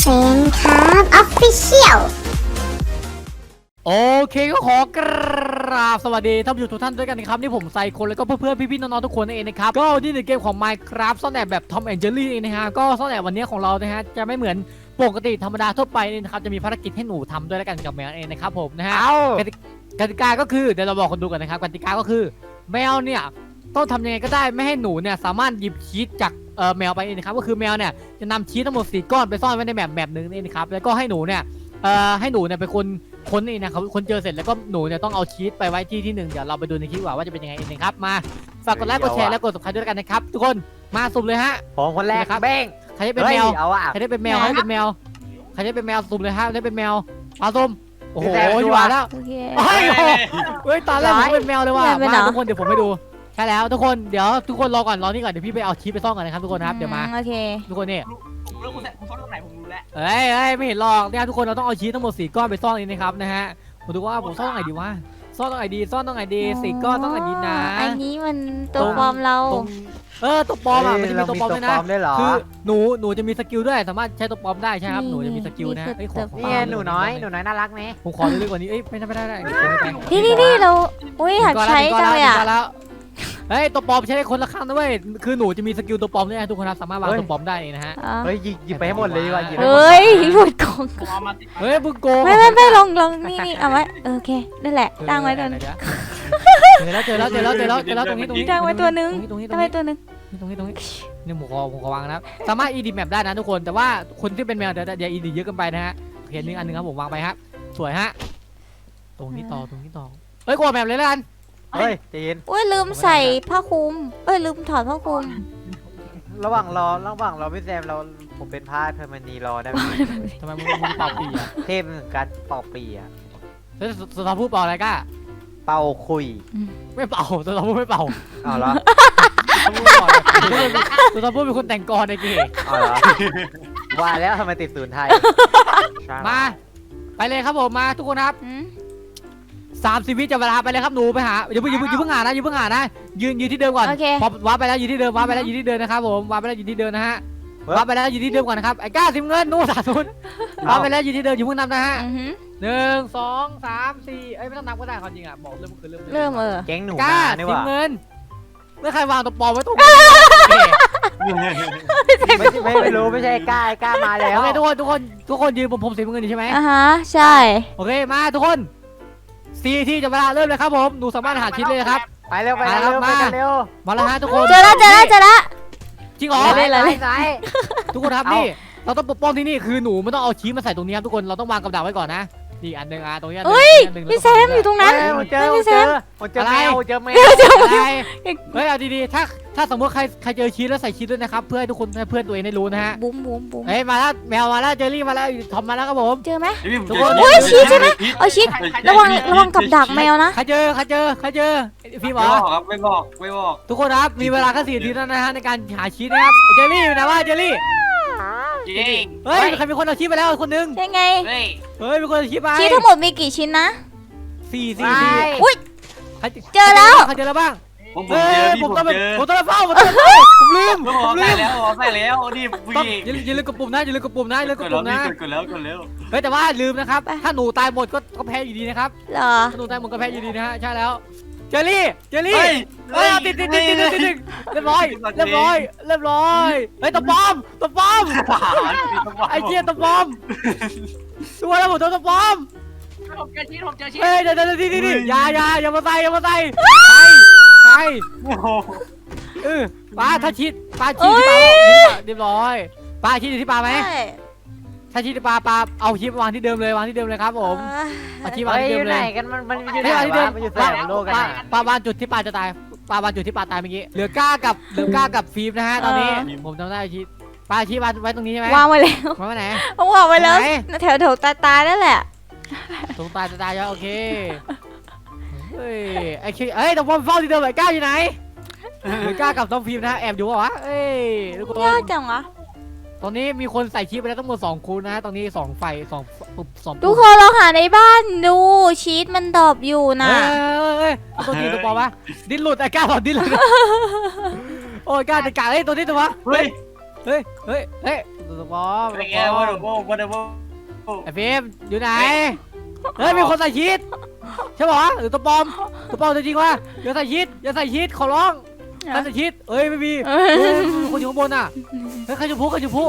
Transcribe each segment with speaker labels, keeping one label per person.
Speaker 1: ฟนครับออฟฟิเชียล
Speaker 2: โอเคก็ขอกราบสวัสดีท่านผู้ชมทุกท่านด้วยกันนะครับนี่ผมไซโคนแล้วก็เพื่อนๆพี่ๆน้องๆทุกคนนั่นเองนะครับก็ที่ในเกมของ Minecraft ซ่อนแอบแบบ Tom and Jerry เองนะฮะก็ซ่อนแอบวันนี้ของเรานะฮะจะไม่เหมือนปกติธรรมดาทั่วไปนี่นะครับจะมีภารกิจให้หนูทำด้วยแล้วกันกับแมวเองนะครับผมนะฮะกติกาก็คือเดี๋ยวเราบอกคนดูกันนะครับกติกาก็คือแมวเนี่ยต้องทำยังไงก็ได้ไม่ให้หนูเนี่ยสามารถหยิบชีสจากแมวไปเองนะครับก็คือแมวเนี่ยจะนำชีสทั้งหมด4ก้อนไปซ่อนไว้ในแบบนึงนี่นะครับแล้วก็ให้หนูเนี่ยเป็นคนค้นนี่นะครับคนเจอเสร็จแล้วก็หนูเนี่ยต้องเอาชีสไปไว้ที่หนึ่งเดี๋ยวเราไปดูในคลิปว่าจะเป็นยังไงเองครับมาฝากกดไลค์กดแชร์และกด subscribe ด้วยกันนะครับทุกคนมาสุ่มเลยฮะ
Speaker 3: ผมคนแรกครับเบ้ง
Speaker 2: ใครจะเป็นแมว
Speaker 3: เอาอะ
Speaker 2: ใครจะเป็นแมวใครจะเป็นแมวใครจะเป็นแมวสุ่มเลยฮะได้เป็นแมวเอาสุ่มโอ้โหอยู่แล้วเฮ้ยตอนแรกผมเป็นแมวเลยว่ะมาทุกคนเดี๋ยวผมไปดูใช่แล้วทุกคนเดี๋ยวทุกคนรอก่อนรอนี่ก่อนเดี๋ยวพี่ไปเอาชีสไปซ่อนก่อนนะครับทุกคนครับเดี๋ยวมา
Speaker 4: โอเค
Speaker 2: ทุกคนนี่
Speaker 5: ผมรู้คุณซ่อนตรงไหนผมรู้แล้ว
Speaker 2: เอ้ยไม่เห็นหรอกเนี่ยทุกคนเราต้องเอาชีสทั้งหมด4ก้อนไปซ่อนนี่นะครับนะฮะผมดูว่าผมซ่อนตรงไหนดีวะซ่อนตรงไหนดีซ่อนตรงไหนดี4ก้อนต้องไหนดีนะ
Speaker 4: อันนี้มันตัวปลอมเรา
Speaker 2: ตัวปลอมอ่ะมันจะมีตัวปลอมด้วยนะ
Speaker 3: คือ
Speaker 2: หนูจะมีสกิลด้วยสามารถใช้ตัวปลอมได้ใช่ครับหนูจะมีสกิลนะ
Speaker 3: นี่หนูน้อยน่ารักไหม
Speaker 2: ผมขอเรื่อยๆกว่านี้ไม่ได้
Speaker 4: นี่เราอุ้ยหัดใช้จังเลยอ่ะ
Speaker 2: เฮ้ยตัวปลอมใช้ได้คนละข้างด้วยคือหนูจะมีสกิลตัวปลอมด้วยนะทุกคนสามารถวางตัวปลอมได้นะฮะ
Speaker 3: เฮ้ยหยิบไปให้หมดเลยดีกว่า
Speaker 4: เฮ้ยหมดกอง
Speaker 2: เฮ้ยบึ้งโก
Speaker 4: ไม่ลองนี่เอาไว้โอเคนั่นแหละตั้งไว้ตัวนึง
Speaker 2: เจอแล้วตรงนี้
Speaker 4: ตั้งไว้ตัวนึงตั้งไว้ตัวนึง
Speaker 2: ตรงนี้นี่ผมขอวางนะสามารถ ED map ได้นะทุกคนแต่ว่าคนที่เป็นแมวเดี๋ยว ED เยอะเกินไปนะฮะเห็นนึงอันนึงครับผมวางไปฮะสวยฮะตรงนี้ต่อเฮ้ยกดแมปเลยละกัน
Speaker 3: เฮ้ยจีน
Speaker 4: อุ้ยลืมใส่ผ้าคลุมลืมถอดผ้าคลุม
Speaker 3: ระหว่างรอพี่แซมผมเป็นพาดเพอร์มานีรอได้ไหม
Speaker 2: ทำไมมึงเป่าปีอะ
Speaker 3: เทพเหมือนกันเป่าปีอะ
Speaker 2: แล้วสุดท้ายพูดเป่าอะไรก้า
Speaker 3: เป่าคุย
Speaker 2: ไม่เป่าสุดท้ายพูดไม่เป่า
Speaker 3: เอาเหรอ
Speaker 2: สุดท้ายพูดเป็นคนแต่งกรในเกม
Speaker 3: เอาเหรอว่าแล้วทำไมติดศูนย์ไทย
Speaker 2: มาไปเลยครับผมมาทุกคนครับ30 วิจะเวลาไปเลยครับหนูไปหาอย่าเพิ่งหานะยืนที่เดิมก่อนพอวาร์ปไปแล้วยืนที่เดิมนะครับผมวาร์ปไปแล้วยืนที่เดิมนะฮะวาร์ปไปแล้วยืนที่เดิมก่อนนะครับไอ้ก้า10 เงินนู่น30วาร์ปไปแล้วยืนที่เดิมอย่าเพิ่งนับนะฮะ1 2 3 4ไม่ต้องนับก็ได้ความจริงอ่ะบอกเริ่มคือ
Speaker 4: เริ่ม
Speaker 3: แก๊งหนู
Speaker 2: ก้า10 เงินเมื่อใครวางตัวปลอมไว้ตรง
Speaker 3: ไม่รู้ไม่ใช่ก้ามาแล้ว
Speaker 2: โอเคทุกคนยืนผม10 เงินใช่ไหม
Speaker 4: ใช่
Speaker 2: โอเคมาทุกคน4 ที่จะเวลาเริ่มเลยครับผมหนูสามารถหาชิ้นเลยครับ
Speaker 3: ไปเร็วมา
Speaker 2: แล้วฮะทุกคน
Speaker 4: เจอแล้ว
Speaker 2: จริงเหรอทุกคนครับนี่เราต้องปกป้องที่นี่คือหนูไม่ต้องเอาชีสมาใส่ตรงนี้ครับทุกคนเราต้องวางกับดักไว้ก่อนนะนี่อันหนึ่งตรงนี้
Speaker 4: พี่แซมอยู่ตรงนั้น
Speaker 3: พี่แซมเจอแมว
Speaker 2: เฮ้ยเอาดีๆถ้าสมมติใครเจอชีสแล้วใส่ชีสด้วยนะครับเพื่อให้ทุกคนเพื่อนตัวเองได้รู้นะฮะ
Speaker 4: บุ้ม
Speaker 2: เฮ้ยมาแล้วแมวมาแล้วเจอรี่มาแล้วทอมมาแล้วครับผม
Speaker 4: เจอไหม
Speaker 5: ทุกคน
Speaker 4: โอ้ยชีสใช่ไหมเอาชีสระวังกับดักแมวนะ
Speaker 2: ใครเจอพี่หมอ
Speaker 5: ไม่บอก
Speaker 2: ทุกคนครับมีเวลาแค่4 นาทีนะฮะในการหาชีสนะครับเจอรี่อยู่ไหนวะเจอรี่เฮ้ยใครมีคนเอาชีสไปแล้วคนนึง
Speaker 4: ยังไง
Speaker 2: เฮ้ยมีคนเอาชีสไป
Speaker 4: ชีสทั้งหมดมีกี่ชิ้นนะ
Speaker 2: 4
Speaker 4: อุ้ยเจอแล้ว
Speaker 2: ใครเจอแล้วบ้าง
Speaker 5: ผมต้อง
Speaker 2: เฝ้าผมลืม
Speaker 5: ใส่แล้วนี่
Speaker 2: อย่าลืมกดปุ่มนะ
Speaker 5: กดแล้ว
Speaker 2: เฮ้ยแต่ว่าลืมนะครับถ้าหนูตายหมดก็แพ้อยู่ดีนะครับ
Speaker 4: เหรอ
Speaker 2: ถ้าหนูตายหมดก็แพ้อยู่ดีนะฮะใช่แล้วเจอรี่เฮ้ยติดเรียบร้อยเฮ้ยตะปอมไอ้เจี๊ยตะปอมตัวแล้วผมโดนตะปอม
Speaker 5: ผมเจอชิ้น
Speaker 2: เฮ้ยเดี๋ยวอย่ามาใส่ไปป้าถ้าชิดที่ปลาเรียบร้อยป้าชิดที่ปลาไหมถ้าชิดที่ปลาเอาชิดวางที่เดิมเลยครับผมเอาชิดวางที่เดิมเลย
Speaker 3: กันมันอยู่ไหนวะมันอยู่แถวโลกกัน
Speaker 2: ปลาวางจุดที่ปลาจะตายปลาวางจุดที่ปลาตายเมื่อกี้เหลือก้ากับฟิล์มนะฮะตอนนี้ผมจำได้ชิดปลาชิดไว้ตรงนี้ใช่ไหม
Speaker 4: วางไว้แล้ว
Speaker 2: วางไว้ไหน
Speaker 4: วางไว้แล้วแถวตายนั่นแหละ
Speaker 2: ตรงตายแล้วโอเคเฮ้ยไอ้แต่ผมเฝ้าที่เดิมไอ้ก้าอยู่ไหนก้ากับน้องฟิล์มนะแอบอยู่วะเอ้ยทุกคน
Speaker 4: ยากจังวะ
Speaker 2: ตอนนี้มีคนใส่ชีสไปแล้วทั้งหมด2 คูณนะฮะตอนนี้2 ไฟ2
Speaker 4: ทุกคนเราหาในบ้านดูชีสมันดอบอยู่นะ
Speaker 2: ตัวนี้ตัวปอวะดิ้นหลุดไอ้ก้าหลุดดิ้นเลยโอ้ยก้าจะกะตัวนี้ตัววะ
Speaker 5: เฮ้ย
Speaker 2: เฮ้ยเฮ้ยเฮ้ยตัวปลอม
Speaker 5: ไอ้แกว่าเดี๋ยวว่าเดี๋ยว
Speaker 2: ไอ้ฟิล์มอยู่ไหนเฮ้ยมีคนใส่ชีสใช่ป่ะหรือตัวปลอมจริงๆวะอย่าใส่ชีสขอร้องอย่าใส่ชีสเอ้ยไม่มีคนอยู่ข้างบนอ่ะเฮ้ยใครจะพูวะใครจะพู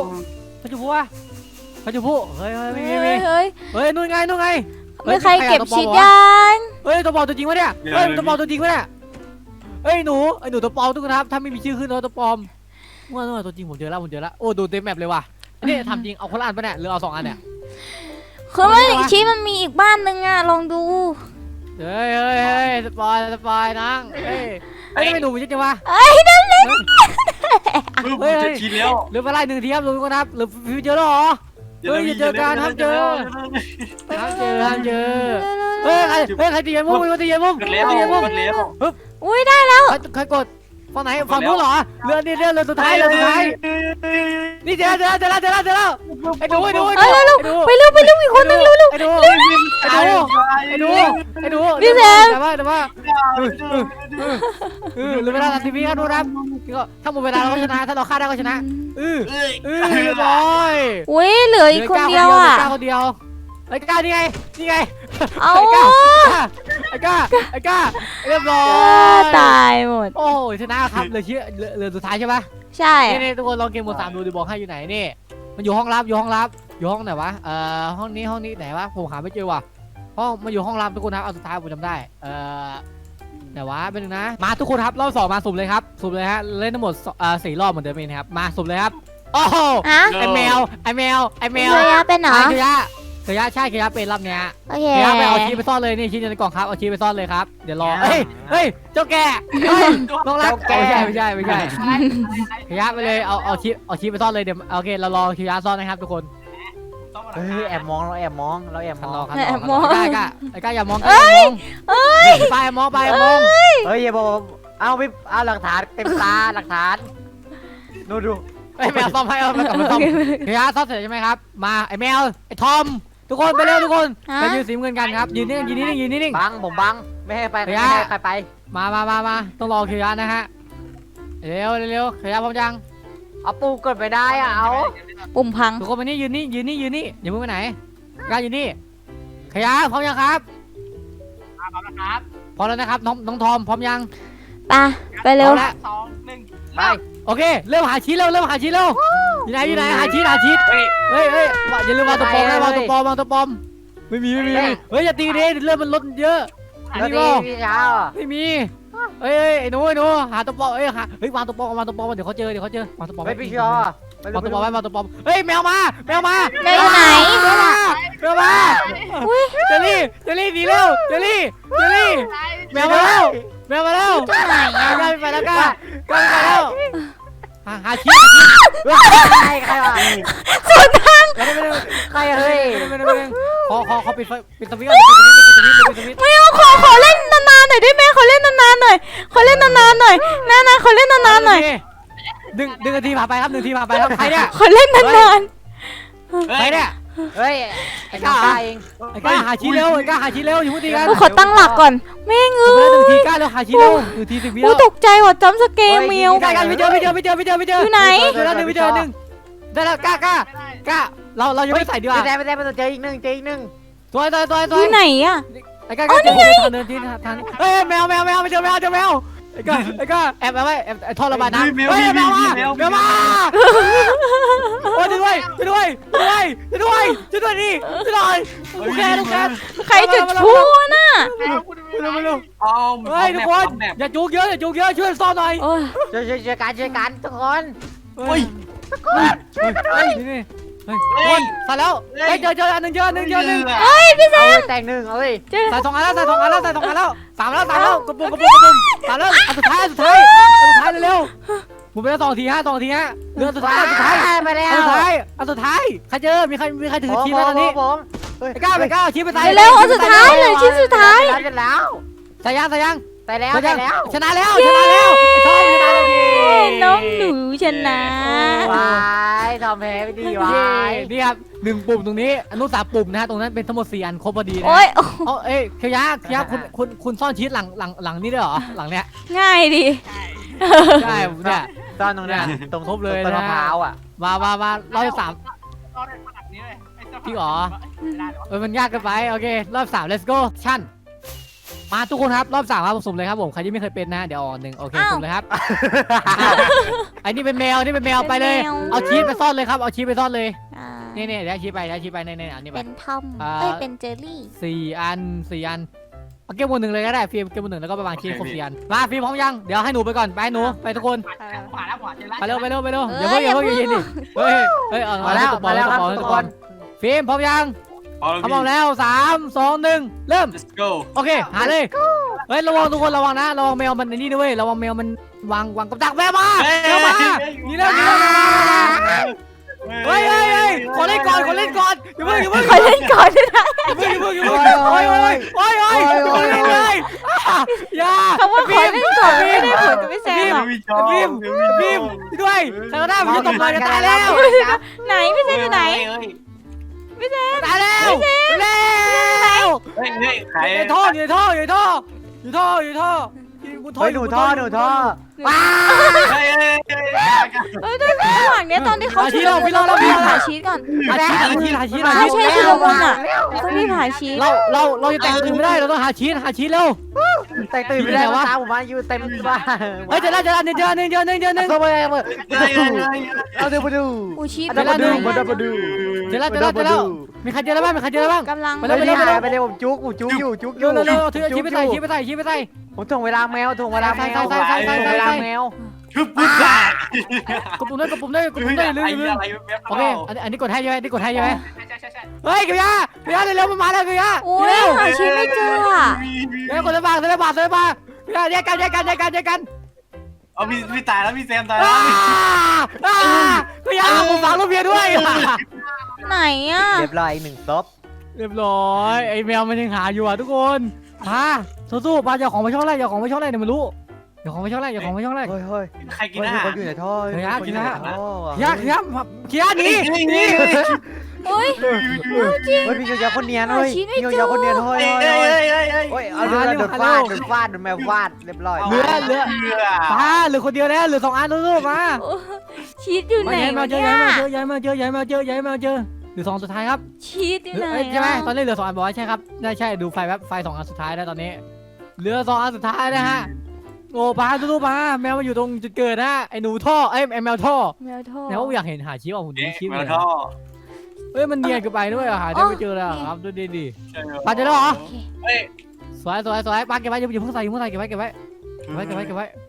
Speaker 2: เฮ้ยไม่มี
Speaker 4: เฮ้ย
Speaker 2: เฮ้ยนู่นไง
Speaker 4: ไม่ใครเก็บชีสยัง
Speaker 2: เฮ้ยตัวปลอมตัวจริงวะเนี่ยเฮ้ยตัวปลอมตัวจริงวะเนี่ยเฮ้ยหนูตัวปลอมทุกคนครับถ้าไม่มีชื่อขึ้นตัวปลอมว่าตัวจริงผมเจอแล้วโอ้ดูเต็มแมปเลยว่ะนี่ทำจริงเอาคนละอันปะเนี่ยหรือเอา2 อันเนี่ย
Speaker 4: คือว่าชีสมันมีอีกบ้านนึงอ่ะลองดู
Speaker 2: เฮ้ยสปอยนังเฮ้ยไม่หนูมันจะวะ
Speaker 4: นั่นเลย
Speaker 5: มึงจะชินแล้ว
Speaker 2: หรือไปไล่1 ทีครับลุงก็นับหรือฟิวเจอร์หรอเฮ้ยอย่าเจอกันห้ามเจอเฮ้ยใครตีมุกตีมุก
Speaker 5: กดแล้ว
Speaker 4: อุ้ยได้แล้ว
Speaker 2: ใครกดฝั่งไหนฝั่งนู้นเหรอเรือสุดท้ายนี่เจอแล้วไอ้ดูไปเร็วอีกคนนึงเร็วไอ้ดูพี่แซมแต่ว่าหรือเวลาทีวีก็ดูนะถ้าหมดเวลาเราก็ชนะถ้าเราฆ่าได้ก็ชนะเรียบร้อย
Speaker 4: อุ้ยเหลืออีกคนเดียวอ่ะ
Speaker 2: คนเดียวไอ้ก้านี่ไง
Speaker 4: เอา
Speaker 2: ไอ้ก้าเรียบร้อย
Speaker 4: ตายหมด
Speaker 2: โอ้ยชนะครับเหลือสุดท้ายใช่ปะ
Speaker 4: ใช่
Speaker 2: นี่ทุกคนลองเกมโหมด 3ดูบอกให้อยู่ไหนนี่มันอยู่ห้องลับอยู่ห้องไหนวะห้องนี้ไหนวะผมหาไม่เจอว่ะมันอยู่ห้องลับทุกคนครับเอาสุดท้ายผมจำได้ไหนวะเป็นนึงนะมาทุกคนครับรอบ 2มาสุ่มเลยครับสุ่มเลยฮะเล่นทั้งหมด4 รอบเหมือนเดิมเองครับมาสุ่มเลยครับโอ้โห ไอแมว
Speaker 4: เฮียเป็นเหรอ
Speaker 2: เคียะใช่เคียะเป็นรอบเนี้ย
Speaker 4: โอเค
Speaker 2: เคียะไปเอาชีไปซ่อนเลยนี่ชิ้นในกล่องครับเอาชีไปซ่อนเลยครับเดี๋ยวรอเฮ้ยเจ้าแก่น้องรักไม่ใช่เคียะไปเลยเอาชีไปซ่อนเลยเดี๋ยวโอเคเรารอเคียะซ่อนนะครับทุกคน
Speaker 3: เฮ้ยแอบมองเราแอบมอง
Speaker 2: ไอ้ก้าอย่ามองไปมอง
Speaker 3: เฮ้ยอย่าบอกเอาไปเอาหลักฐานเต็มตาหลักฐานดู
Speaker 2: ไอ้แมวซ่อมให้เอาไปกลับมาซ่อมเคียะซ่อนเสร็จใช่ไหมครับมาไอ้แมวไอ้ทอมทุกคนไปเร็วทุกคนไปยืนสีเงินกันครับยืนนิ่ง
Speaker 3: บังผมบังไม่ให้ไปไม่ให้ใครไป
Speaker 2: มาต้องรอเคียะนะฮะเร็วเคียะพร้อมยัง
Speaker 3: เอาปูกดไปได้อะเอา
Speaker 4: ปุ่มพัง
Speaker 2: ทุกคนมานี่ยืนนี่อย่าเพิ่งไปไหนกล้ายืนนี่ขยะพร้อมยังครับพร้อมแล้วนะครับน้องทอมพร้อมยัง
Speaker 4: ไปเร็ว
Speaker 5: 2 1
Speaker 3: ไป
Speaker 2: โอเคเริ่มหาชีสเร็วอยู่ไหนหาชีสเฮ้ยอย่าลืมวางตัวปลอมนะวางตัวปลอมไม่มีเฮ้ยอย่าตีดิเริ่มมันลดเยอะ
Speaker 3: แล้วดีพี่เช้า
Speaker 2: ไม่มีเฮ้ยไอ้หนูหาตัวปลอมวางตัวปลอมเดี๋ยวเขาเจอวางตัวปลอม
Speaker 3: ไม่พี่ชอ
Speaker 2: วางตัวปลอมเฮ้ยแมวมาแมวอยู่ไหน
Speaker 4: แมวมา
Speaker 2: เจลลี่หนีเร็วเจลลี่แมวมาแล้ว
Speaker 4: ไหนอ่ะ
Speaker 2: ไปแล้วก้าไปแล้วหาชีส
Speaker 3: ใครวะ
Speaker 4: สุดทาง
Speaker 3: ใครเฮ้ย
Speaker 2: ขอปิดสวิตช์ก่อน
Speaker 4: ไม่เอาขอเล่นนานๆหน่อยได้ไหมขอเล่นนานๆหน่อยขอเล่นนานๆหน่อยขอเล่นนานๆหน่อย
Speaker 2: 1 นาทีผ่านไปครับใครเนี่ย
Speaker 4: ขอเล่นนาน
Speaker 2: ใครเนี่ย
Speaker 3: เฮ้ยไอ้ก้าเอง
Speaker 2: ไอ้ก้าหาชีสเร็วอยู่พูดดีกัน
Speaker 4: ๆขอตั้งหลักก่อนแม่งเอ้
Speaker 2: 1
Speaker 4: ย
Speaker 2: ทีก้าเร็วหาชีสเร็ว1 ที 10 วิ
Speaker 4: อู้
Speaker 2: แล้ว
Speaker 4: ตกใจว่ะจำสเกมเมียว
Speaker 2: ก้าไม่เจออยู่ไหนแล้ว1 ได้แล้วก้าเรายังไม่ใส่ดีกว่า
Speaker 3: ไม่ได้เจออีกหนึ่ง
Speaker 2: ตัว
Speaker 4: อยู่ไหนอ่ะ
Speaker 2: ไอ้ก้าเดินที่ทางเฮ้ยแมวไม่เจอแมวไอ้ก้าแอบไว้แอบท่อระบายน้ำเฮ้ยแมวมาโอ้ยช่วยด้วยดิลูกแก
Speaker 4: ใครจุดพลุน่ะ
Speaker 2: เฮ้ยทุกคนอย่าจุกเยอะช่วยซ่อนหน่อย
Speaker 4: โอ้ย
Speaker 3: ช่วยกันทุกคน
Speaker 2: เฮ้ยนี่คนใส่แล้วเจออันหนึ่ง
Speaker 4: เฮ้ยพี่แซม
Speaker 3: แต่งหนึ่งเอ้ย
Speaker 2: ใส่2 อันแล้ว3 แล้วกระปุก3แล้วอันสุดท้ายเร็วผมไปแล้ว2 ทีฮะเรือสุดท้าย
Speaker 3: ไปแล้ว
Speaker 2: อันสุดท้ายใครเจอมีใครถือชีพตอนนี้
Speaker 3: ผม
Speaker 2: ไปก้าวชีพไปใส่
Speaker 4: เร็วเอาสุดท้ายเลยชิ้นสุดท้าย
Speaker 3: แล้ว
Speaker 2: ใส่ยัง
Speaker 3: ไปแล้ว
Speaker 2: ชนะแล้วไอ้ทอมชนะแล้ว
Speaker 4: น้องหนูชนะ
Speaker 3: วายทำแพ้ไม่ดีวาย
Speaker 2: นี่ครับ1 ปุ่มตรงนี้อนุ3 ปุ่มนะฮะตรงนั้นเป็นทั้งหมด4 อันครบพอดีนะ
Speaker 4: โอ้ย
Speaker 2: เคียะคุณซ่อนชีสหลังนี่ด้วยเหรอหลังเนี้ย
Speaker 4: ง่ายดิ
Speaker 2: ใช่เนี่ย
Speaker 3: ซ่อนตรงนั้นตรง
Speaker 2: ครบเลย
Speaker 3: ต้น
Speaker 2: นะ
Speaker 3: มะพร้าวอ่ะ
Speaker 2: มารอบที่สาม
Speaker 5: รอดในขนาดนี้เลยไอ้เจ้า
Speaker 2: จริงเหรอ
Speaker 5: ไม่ได้หรอ
Speaker 2: มันยากเกินไปโอเครอบ3 let's go ชั่นมาทุกคนครับรอบ3ครับสุ่มเลยครับผมใครที่ไม่เคยเป็นนะเดี๋ยวอ่อนหนึ่งโอเคสุ่มเลยครับไอ้นี่เป็นแมวนี่เป็นแมวไปเลยเอาชีสไปซ่อนเลยครับเอาชีสไปซ่อนเลย
Speaker 4: อ่า
Speaker 2: นี่เดี๋ยวชี้ไปนี่อันนี้ไป
Speaker 4: เป็นทอม
Speaker 2: อ่า
Speaker 4: เอ้ยเป็นเจอรี่
Speaker 2: 4 อันเอาเกมบนหนึ่งเลยก็ได้ฟิล์มเกมบนหนึ่งแล้วก็ไปวางชีสครบ4 อันมาฟิล์มพร้อมยังเดี๋ยวให้หนูไปก่อนไปหนูไปทุกคน
Speaker 5: ขวาแล้วขวาเจอแล้ว
Speaker 2: ไปเร็วอย่าเพิ่งยืนดิเฮ้ยเอา
Speaker 3: มาแล้ว
Speaker 2: ตกบอ
Speaker 3: มา
Speaker 2: ล
Speaker 3: แล้วครับ
Speaker 2: ตกบอล
Speaker 3: ทุ
Speaker 2: ต
Speaker 3: ก
Speaker 2: ก
Speaker 3: ค
Speaker 2: บอล
Speaker 3: น
Speaker 2: ฟิล์มพร้อมยัง พร้อมแล้ว3 2 1เริ่ม
Speaker 5: let's go
Speaker 2: โอเคหาเลยเฮ้ยระวังทุกคนระวังนะระวังแมวมันนี่ด้วยระวังแมวมันวางกับดักแมวมาแมวมานี่แล้วเฮ้ยขอเล่นก่อนอย่าเพิ่ง
Speaker 4: ขอเล่นก่อนด้วยนะ
Speaker 2: โอ้ยเลยอย่า
Speaker 4: คำว่าขอเล่นก่อนไม่ได้ผลกับพี่แซมหรอก
Speaker 2: บีมด้วยใครก็ได้ผมจะตกเลยจะตายแล้ว
Speaker 4: ไหนพี่แซมอยู่ไหน
Speaker 2: ตายแล้ว
Speaker 5: เฮ้ยใคร
Speaker 2: อยู่ในท่อกูท่อ
Speaker 3: เฮ้ยหนูท่อ
Speaker 2: ว้า
Speaker 5: เฮ้ย
Speaker 4: เอ้ยด้วยระหว่างเนี้ยตอนที่เขาชุลมุนเรารีบหาชีสก่อน
Speaker 2: หาชีส
Speaker 4: ไม่ใช่ชุลมุนอ่ะต้องรีบหาชีส
Speaker 2: เราจะแต่งตื่นไม่ได้เราต้องหาชีสเร็ว
Speaker 3: แต่ตื่นไม่ได้วะตาผมมาอยู่เต็มบ้าน
Speaker 2: เฮ้ยเจอแล้ว1
Speaker 3: โซ่ไปเลยเอาดูมาดู
Speaker 4: อูชีส
Speaker 3: มาดูมาดู
Speaker 2: เจอแล้วมีใครเจอแล้วบ้าง
Speaker 4: กำลัง
Speaker 3: ไปเลยผมจุกอยู่
Speaker 2: เร็วถือชีสไปใส่
Speaker 3: ผมถ่วงเวลาแมวถ่วงเวลาแมว
Speaker 5: คือปุ๊บได้
Speaker 2: กดปุ่มได้ลืม
Speaker 5: อะไรแบบ
Speaker 2: โอเคอันนี้กดให้ใช่ไหมใช่
Speaker 5: ใช่
Speaker 2: เฮ้ยเกียร์เร็วมาแล้วเกียร์
Speaker 4: โอ้ยหาชีสไม่เจออ่ะ
Speaker 2: เดี๋ยวกดเลยบาทเกียร์แยกกัน
Speaker 5: เอาพี่ตายแล้วพี่แซมตายแล้ว
Speaker 2: เกียร์ผมฟังรูปเบียร์ด้วย
Speaker 4: ไหนอ่ะ
Speaker 3: เรียบร้อย1 ศพ
Speaker 2: เรียบร้อยไอ้แมวมันยังหาอยู่อ่ะทุกคนมาสู้ๆปาอย่าของไปช่องแรกเดี๋ยวมันรู้อย่าของไปช่องแรก
Speaker 3: เฮ้ย
Speaker 5: ใครกินอาหาร
Speaker 3: คนอยู่ในท่อ
Speaker 2: เกียร์
Speaker 3: ท่อ
Speaker 2: นี่
Speaker 4: โอ้ย
Speaker 3: เฮ้ยพี่ยาคนเนียนเฮ้ยพี่ยาคนเนียนเฮ้ยเอาโดนฟาดโดนแมวฟาดเรียบร้อย
Speaker 2: เหลือคนเดียวแล้วเหลือ2 อันสู้ๆมา
Speaker 4: ชีสอยู่ไหน
Speaker 2: มาเจอ
Speaker 4: เนี่ย
Speaker 2: ย้ายมาเจอเหลือ2 สุดท้ายครับ
Speaker 4: ชีสอยู่ไหน
Speaker 2: ใช่ไหมตอนนี้เหลือ2 อันบอกว่าใช่ครับใช่ดูไฟแป๊บไฟ2 อันสุดท้ายแล้วตอนนี้เหลือ2 อันสุดท้ายนะฮะโอ้ปลาสู้ๆปลาแมวมาอยู่ตรงจุดเกิดนะไอ้หนูท่อไอ้แมวท่อ
Speaker 4: แมวโทษ
Speaker 2: แล้วอยากเห็นหาชี้ออกหุ่นชี้
Speaker 5: มา
Speaker 2: เลย
Speaker 5: ท่อ
Speaker 2: เฮ้ยมันเนียนเกินไปด้วยหาได้ไม่เจอเลยครับดูดีปลาเจอแล้วเหรอ
Speaker 5: เฮ้ย
Speaker 2: สวยปลาเก็บไว้อย่าเพิ่งใส่เก็บไว้เฮ้ยปลาเก็บไว้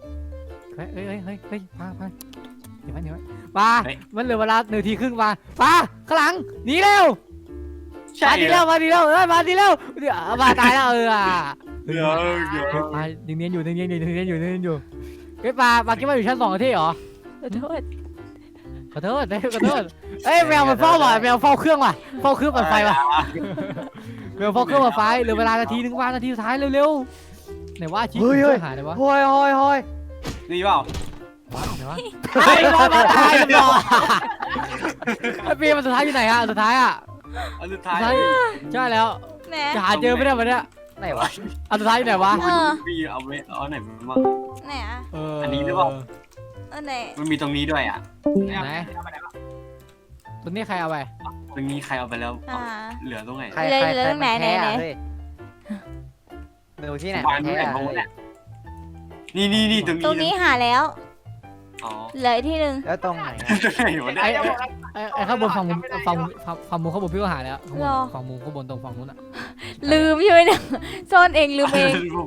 Speaker 2: ปลามันเหลือเวลา1 นาทีครึ่งปลาข้างหลังหนีเร็ว
Speaker 5: ใช่
Speaker 2: มาดีแล้วมาดีแล้วเดี๋ยวมาตายแล้ว
Speaker 5: เดี๋ยว
Speaker 2: ปลายังเนียนอยู่เฮ้ยปลาคิดว่าอยู่ชั้น2 ที่เหรอ
Speaker 4: ขอโทษ
Speaker 2: ขอโทษเอ้ยแมวมันเฝ้าว่ะแมวเฝ้าเครื่องว่ะเฝ้าเครื่องปั่นไฟว่ะแมวเฝ้าเครื่องปั่นไฟเหลือเวลานาทีนึงว่านาทีสุดท้ายเร็วๆไหนว่าชี้ช่วยหาไหนวะ
Speaker 3: เฮ้ย
Speaker 5: ดีเปล่า
Speaker 2: ไหนวะไอ้รอมาตายกันรอไอ้ปีมันสุดท้ายอยู่ไหนอะสุดท้ายอะ
Speaker 5: อันสุดท้าย
Speaker 2: ใช่แล้ว
Speaker 4: แหน
Speaker 2: จะหาเจอไม่ได้วันเนี้ย
Speaker 3: ไหนวะ
Speaker 2: อันสุดท้ายอยู่ไหนวะ
Speaker 5: พี่เอาไว้เอาไหนมา
Speaker 4: ไหนอ่ะ
Speaker 5: อันนี้หรือเปล่า
Speaker 4: ไหน
Speaker 5: มันมีตรงนี้ด้วยอ่ะ
Speaker 2: ไหนตัวนี้ใครเอาไป
Speaker 5: ตรงนี้ใครเอาไปแล้ว เหลือตรงไหน
Speaker 3: ดูที่ไหน
Speaker 5: วางที่ไหนบ้างเนี่ยนี่ตรงนี้
Speaker 4: ตรงนี้หาแล้ว
Speaker 5: อ๋อ
Speaker 4: เหลือที่หนึ่ง
Speaker 3: แล้วตรงไหน
Speaker 5: ตรงไหนวะเนี่ย
Speaker 2: ไอ้ข้างบนฝั่งมุมข้างบนพี่ก็หาแล้วฝั่งมุมข้างบนตรงฝั่งนู้นอะ
Speaker 4: ลืมใช่ไหมเนี่ยซ่อนเองลืมเอง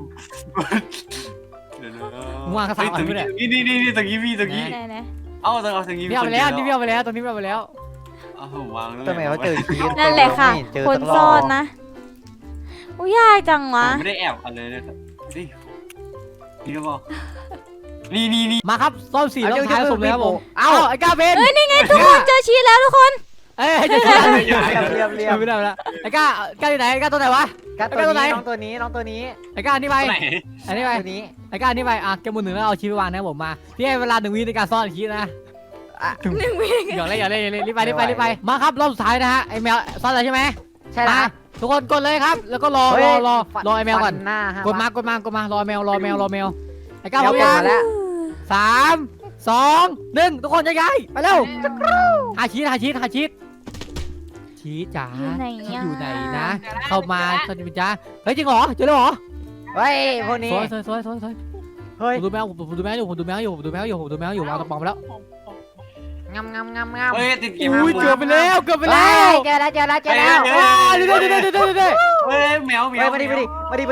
Speaker 2: มึงวางข้างซ้ายไปเลย
Speaker 5: นี่ตรงนี้พี่ตรงนี้
Speaker 4: ไหน
Speaker 5: เอาตรงนี้
Speaker 2: พี่เอาไปแล้วนี่พี่เอาไปแล้วตรงนี้พี่เอาไปแล้ว
Speaker 5: อ้าววาง
Speaker 3: ทำไมเขาเจอชีส
Speaker 4: นั่นแหละค่ะ คนซ่อนนะอุ้ยยากจังวะ
Speaker 5: ไม่ได้แอบอะไรเลยครับนี่ก็พอนี่
Speaker 2: มาครับซ่อน4รอบท้ายสมเลยครับผมเอ้าไอ้ก้าเบน
Speaker 4: เฮ้ยนี่ไงทุกคนเจอชีสแล้วทุกคน
Speaker 2: เอ้ยจะ
Speaker 3: เรียบ
Speaker 2: ไม่ได้แล้วไอ้ก้าอยู่ไหนไอ้ก้าตัวไหนวะ
Speaker 3: กัดตัวนี้น้องตัวนี้
Speaker 2: ไอ้ก้านี่ไป
Speaker 5: ไหน
Speaker 2: อันนี้ไป
Speaker 3: ตัวนี้
Speaker 2: ไอ้ก้านี่ไปอ่ะแกมือ1แล้วเอาชีพไปวางนะผมมาพี่ให้เวลา1 วิในการซ่อนชีพนะ
Speaker 4: 1 วิ
Speaker 2: อย่าเล่นรีบไปมาครับรอบสุดท้ายนะฮะไอ้แมวซ่อนอะไรใช่ไหม
Speaker 3: ใช่แล้ว
Speaker 2: ทุกคนกดเลยครับแล้วก็รอไอ้แมวก่อน
Speaker 3: หน้าก
Speaker 2: ดมารอแมวไอ้ก้าพ
Speaker 3: แล้
Speaker 2: ร้อ
Speaker 3: ว
Speaker 2: มยัง
Speaker 3: มาแล้ว
Speaker 2: 3 2 1ทุกคนย้ายไปเร็วหาชีสจ๋า
Speaker 4: อยู่ไหนอะ
Speaker 2: อยู่ไหนนะ เข้ามาสวัสดีจ้าเฮ้ยจริงเหรอเจอแล้วเหรอ
Speaker 3: เฮ้ยพวกนี้
Speaker 2: สวย
Speaker 3: เฮ้ย
Speaker 2: ผมดูแมวอยู่วางตะปองไปแล้ว
Speaker 3: งาม
Speaker 5: เฮ้ยติดเกม
Speaker 2: อุ้ยเกือบไปแล้ว
Speaker 3: เจอแล้ว
Speaker 2: เดี๋ยว
Speaker 5: เฮ้ยแมว
Speaker 3: เฮ้ยมาดิ
Speaker 5: มาดิ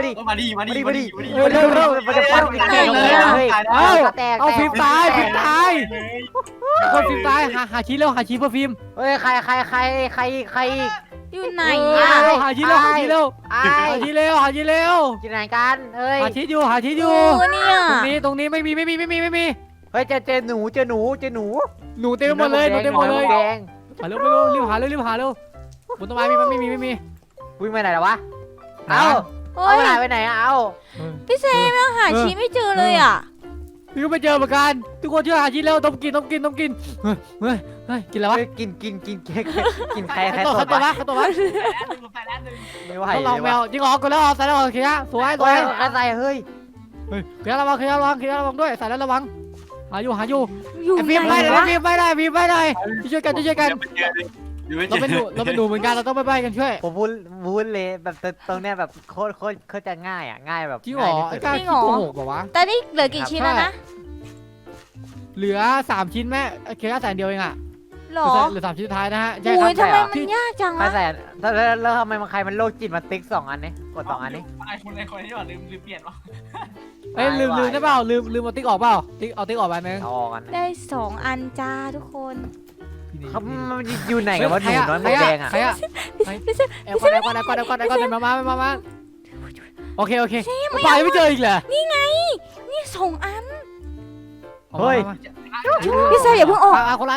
Speaker 3: มันจะฟันกันเฮ้ย
Speaker 2: เอาฟิล์มตายคนฟิล์มตายหาชีสเร็วหาชีสเพื่อฟิล์ม
Speaker 3: เฮ้ยใครอีก
Speaker 4: อยู่ไหน
Speaker 2: หาชีสเร็วหาชีสเร็ว
Speaker 3: ไอ้
Speaker 2: หาชีสเร็ว
Speaker 3: กินไหนกันเฮ้ย
Speaker 2: หาชีสอยู่
Speaker 4: เนี่ย
Speaker 2: ตรงนี้ไม่มี
Speaker 3: เฮ้ยเจอหนู
Speaker 2: หนูเต็มหมดเลย
Speaker 3: แดง
Speaker 2: มาเร็วรีบหาเร็วบนต้นไม้ไม่มี
Speaker 3: วิ่งไปไหนแล้ววะเอา
Speaker 4: เฮ้ย
Speaker 3: ไปไหนเอา
Speaker 4: พี่เซมยังหาชีไม่เจอเลยอ่ะ
Speaker 2: พี่ก็ไปเจอเหมือนกันทุกคนช่วยหาชีสเร็วต้องกินเฮ้ยกินอะไรวะ
Speaker 3: กินใคร
Speaker 2: ตัว
Speaker 3: ตบ
Speaker 2: วะ
Speaker 3: ไม่ไหว
Speaker 2: ต้องลองแมวจริงเหรอกดแล้วใส่แล้วโอเคสวย
Speaker 3: ใส่เฮ้ย
Speaker 2: เคียระวังด้วยใส่แล้วระวังหาอยู่
Speaker 4: อยู่
Speaker 2: ฟิล์ม
Speaker 4: ไหน
Speaker 2: ไม่ได้
Speaker 5: เดี๋ยว
Speaker 2: ช่วยกันเราเป็นหนูเหมือนกันเราต้องไปกันช่วย
Speaker 3: ผมพูดเลยแบบตรงเนี้ยแบบโคตรจะง่ายแบบ
Speaker 2: จริงเหรอไอ้กล้าขี้โกหกบอกว่า
Speaker 4: แต่นี่เหลือกี่ชิ้นแล้วนะ
Speaker 2: เหลือ3 ชิ้นแม่เคียร์100,000เดียวเองอ่ะ
Speaker 4: หรอ
Speaker 2: เหลือ3 ชิ้นสุดท้ายนะฮะใช่
Speaker 4: โอ้
Speaker 2: ค
Speaker 4: ย
Speaker 2: รับ
Speaker 4: ทำไมมันยากจัง
Speaker 3: ไม่
Speaker 4: วะ
Speaker 3: ใส่แล้วทำไมใครมันโรคจิตมาติ๊ก2 อันนี้กด2 อันนี้
Speaker 5: ไอคนที่ว่าลืมเปลี่ยนวะ
Speaker 2: เอ้ยลืมได้เปล่าลืมเอาติ๊กออกเปล่าเอาติ๊กออกไปนึง
Speaker 3: เอาออกกัน
Speaker 4: ได้2 อันจ้าทุกคน
Speaker 3: เขามันอยู่ไหนกันวะหนูน้อยหมดแดงอ่ะ
Speaker 2: ใครอะ
Speaker 4: พี่เซม
Speaker 2: แอบก่อนมาโอเคไปไม่เจออีกเหรอ
Speaker 4: นี่2 อัน
Speaker 3: เฮ้ย
Speaker 4: พี่เซมอย่าเพิ่งออก
Speaker 2: คนละ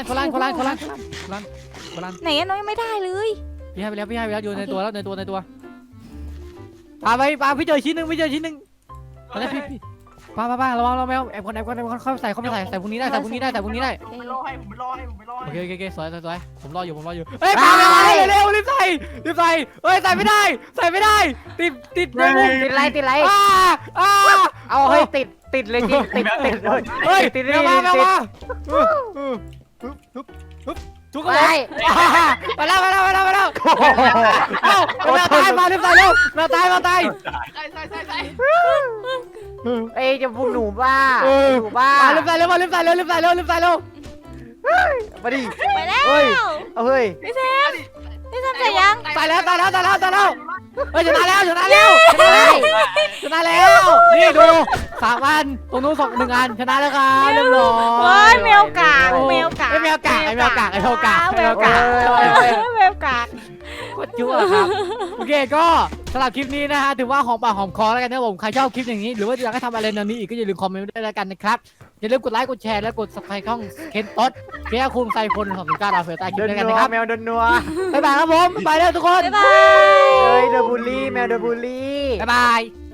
Speaker 4: ไหนอะน้องยังไม่ได้เลย
Speaker 2: พี่ให้ไปแล้วอยู่ในตัวปาพี่เจอชิ้นหนึ่งตอนนี้พี่ปาระวังเราแมวแอบก่อนเข้าใส่พวกนี้ได้
Speaker 5: ผมไปรอให้
Speaker 2: โอเคสวยผมรออยู่เฮ้ยปาเร็วรีบใส่เฮ้ยใส่ไม่ได้ติดในมุม
Speaker 3: ติดไร เอาเฮ้ยติดเลยจริงติด
Speaker 2: เฮ้ย
Speaker 3: ติด
Speaker 2: มาทุกคนมาแล้วเอ้าแมวตายมารีบใส่เร็วแมวตาย
Speaker 5: ใส่
Speaker 3: เอ้ยจะพูดหนูบ้าหนูบ้า
Speaker 2: รีบใส่เร็วมาดิ
Speaker 4: ไปแล้ว
Speaker 3: เฮ้ย
Speaker 4: พี่เซมใส่ยัง
Speaker 2: ใส่แล้วเฮ้ยชนะแล้วนี่ดู3 อันตรงนู้น1 อันชนะแล้วครับเรียบร้อย
Speaker 4: โอ้ยแมวกาก
Speaker 2: แมวกากโคตรชั่วครับโอเคก็สำหรับคลิปนี้นะฮะถือว่าหอมปากหอมคอแล้วกันนะผมใครชอบคลิปอย่างนี้หรือว่าอยากให้ทำอะไรแนวนี้อีกก็อย่าลืมคอมเมนต์ด้วยแล้วกันนะครับอย่าลืมกดไลค์กดแชร์และกด subscribe ช่องเคนต๊ดเพียคุงไซคน209ดาวเฟลใต้คลิปด้วยกันนะครับ
Speaker 3: แมวโดนนัว
Speaker 2: บ๊ายบายครับผมบ๊ายบายแล้วทุกคน
Speaker 4: บ๊ายบาย
Speaker 3: เฮ้ยโดนบูลลี่แมวโดนบูลลี่
Speaker 2: บ๊ายบาย